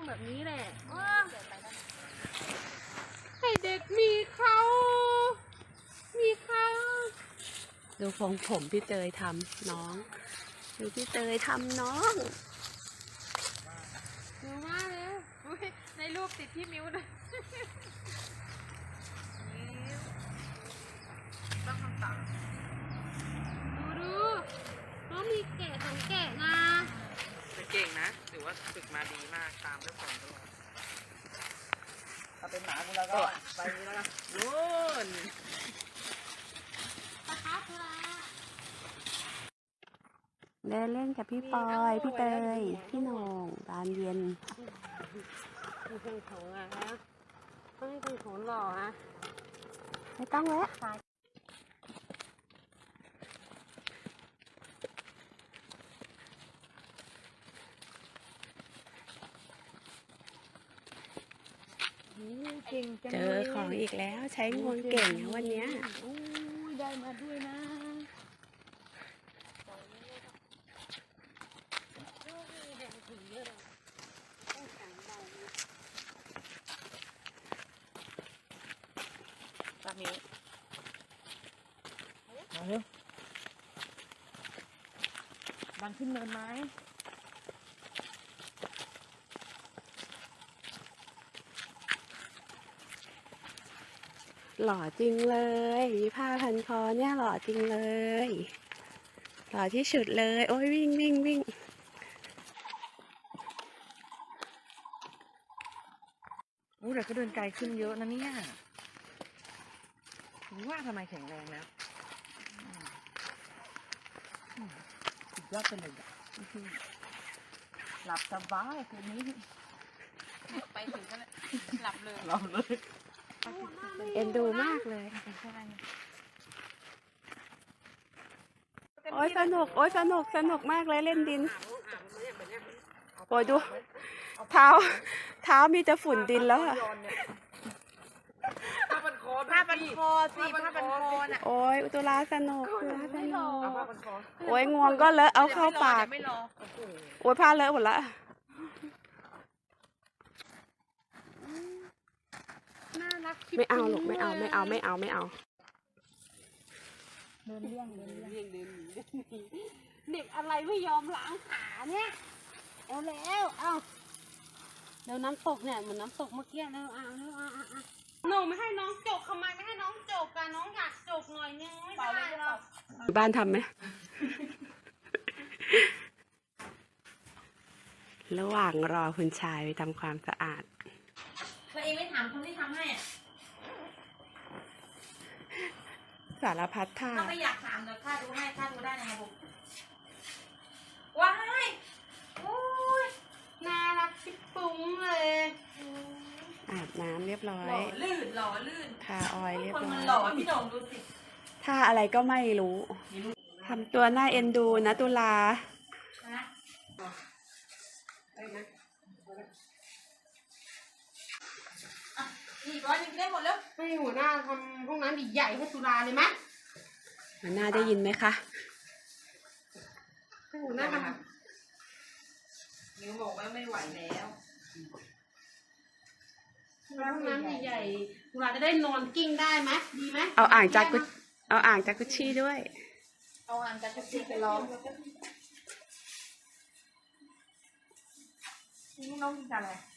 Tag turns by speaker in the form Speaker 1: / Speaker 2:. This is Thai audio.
Speaker 1: แบบนี้แหละให้เด็กมีเขาดูผมพี่เตยทำน้องดูพี่เตยทำน้องดูมากเลยในรูปติดที่มิ้วนะต้องทำตามดูน้องมีแกะสองแกะนะแต่เก่งนะถือว่าฝึกมาดีมากตามด้วยผมตลอด
Speaker 2: ถ้าเป็นหมากูแล้วก็ไปนี้แล้วนะ
Speaker 1: นู่นเดินเล่นกับพี่ปอยพี่เตยพี่โหน่งตอนเย็นมีเครื่องโถงอะฮะต้องให้เครื่องโถงหล่อฮะไม่ต้องแล้วเจอของอีกแล้วใช้งวงเก่งวันนี้ได้มาด้วยนะ
Speaker 2: ตอนนี้มาเร็วดันขึ้นเนินไหม
Speaker 1: หล่อจริงเลยมีผ้าพันคอเนี่ยหล่อจริงเลยหล่อที่สุดเลยโอ้ยวิ่ง
Speaker 2: แต่ก็เดินไกลขึ้นเยอะนะเนี่ยว่าทำไมแข็งแรงแล้วสุดยอดไปเลยหลับสบายคืนนี้
Speaker 1: ไปถึงก็หลับเลย
Speaker 2: เอ็นดูมากเลย
Speaker 1: โอ้ยสนุกมากเลยเล่นดินโอ้ยดูเท้ามีแต่ฝุ่นดินแล้วอะ
Speaker 2: ผ้าพันคอสิผ้าพันคอน่ะ
Speaker 1: โอ้ยอุตุลาสนุกโอ้ยงวงก็เลอะเอาเข้าปากโอ้ยผ้าเลอะหมดละน่ารักไม่เอาลูกไม่เอาเดินเลี่ยงเด็กอะไรไม่ยอมล้างขาเนี่ยเอาแล้วเดี๋ยวน้ำตกเนี่ยเหมือนน้ำตกเมื่อกี้แล้วหนูไม่ให้น้องจกทำไมไม่ให้น้องจกกันน้องอยากจกหน่อยนึงไม่ได้หรอกบ้านทำไหมระหว่างรอคุณชายไปทำความสะอาด
Speaker 3: ตัวเองไม่ถามคนที่ทำให้อ่ะ
Speaker 1: สารพัดท่า
Speaker 3: ถ้าไม่อยากถามเดี๋ยวข้าดูให้ข้าดูได้นะครับผมว้ายโอ้ย
Speaker 1: น่ารักชิบปุ้งเลยอาบน้ำเรียบร้อย
Speaker 3: หล่อลื่น
Speaker 1: ทาออยเรียบร้อย
Speaker 3: คนมันหล่อพี่หน่งดูสิ
Speaker 1: ท่าอะไรก็ไม่รู้ทำตัวน่าเอ็นดูนะตุลา
Speaker 3: อีก100ได้หมดแล้ว
Speaker 1: ให้หัวหน้าทำห้องน้ำใหญ่ให้ตุลาเลยไหมหัวหน้าได้ยินไหมคะให้หัวหน้าทำ
Speaker 3: นิ้วบอกว่าไม่ไหวแล้ว
Speaker 1: ห้องน้ำใหญ่ๆตุลาจะได้นอนกิ้งได้ไหมดีไหมเอาอ่างจากกุชชี่ด้วย
Speaker 3: เอาอ่างจากกุชชี่ไปล้อม
Speaker 2: น้องกินอะไร